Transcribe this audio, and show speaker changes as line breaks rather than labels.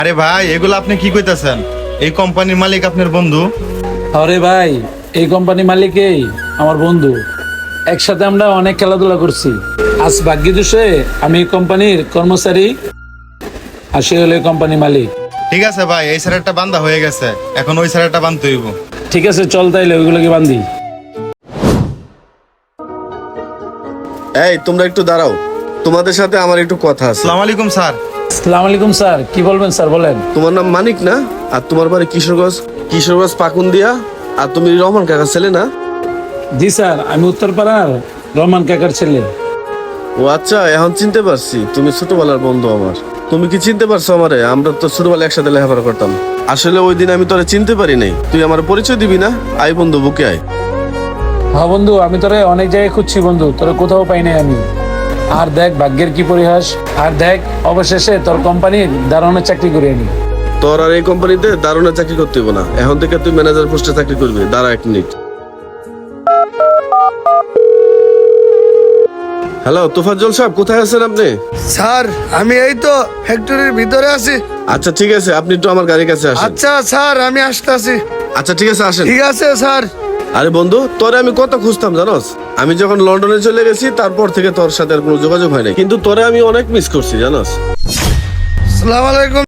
আরে ভাই, এগুলো আপনি কি কইতাছেন? এই কোম্পানির মালিক আপনার বন্ধু?
আরে ভাই, এই কোম্পানি মালিকই আমার বন্ধু। একসাথে আমরা অনেক খেলাধুলা করছি। আজ ভাগ্য দোষে আমি এই কোম্পানির কর্মচারী, আর সে হলো এই কোম্পানি মালিক।
ঠিক আছে ভাই, এই স্যারেরটা বান্ধা হয়ে গেছে, এখন ওই স্যারেরটা বান্ধতে হইব।
ঠিক আছে, চল তাইলে ওইগুলোকে বান্ধি।
এই তোমরা একটু দাঁড়াও, তোমাদের সাথে আমার একটু কথা আছে।
আসসালামু আলাইকুম স্যার।
আসসালামু আলাইকুম স্যার, কি বলবেন স্যার বলেন।
তোমার নাম মানিক না? আর তোমার বাড়ি কিশোরগঞ্জ পাকুন্দিয়া। আর তুমি রহমান কাকার ছেলে না?
জি স্যার, আমি উত্তরপাড়ার রহমান কাকার ছেলে।
ও আচ্ছা, এখন চিনতে পারছি, তুমি ছোটবেলার বন্ধু আমার। তুমি কি চিনতে পারছো আমারে? আমরা তো ছোটবেলায় একসাথে লেখাপড়া করতাম। আসলে ওই দিন আমি তোরে চিনতে পারি নাই। তুই আমার পরিচয় দিবি না? আয় বন্ধু, বুকে আয়।
হ্যাঁ বন্ধু, আমি তোরে অনেক জায়গায় খুঁজছি বন্ধু, তোরে কোথাও পাই নাই আমি। আর দেখ ভাগ্যের কি পরিহাস। আর দেখ, অবশেষে তোর কোম্পানির দারোয়ানের চাকরি করে আনি।
তোর আর এই কোম্পানিতে দারুণের চাকরি করতে হইব না। এখন থেকে তুই ম্যানেজার পোস্টে চাকরি করবি। দাঁড়া 1 মিনিট। হ্যালো তোফাজ্জল সাহেব, কোথায় আছেন আপনি?
স্যার, আমি এই তো ফ্যাক্টরির ভিতরে আছি।
আচ্ছা ঠিক আছে, আপনি একটু আমার গাড়ির কাছে আসেন।
আচ্ছা স্যার, আমি আসতেছি।
আচ্ছা ঠিক আছে, আসেন।
ঠিক আছে স্যার।
আরে বন্ধু, তোরে আমি কত খুঁজতাম জানোস? আমি যখন লন্ডনে চলে গেছি তারপর থেকে তোর সাথে আর কোনো যোগাযোগ হয় না, কিন্তু তোরে আমি অনেক মিস করছি জানোস।
আসসালামু আলাইকুম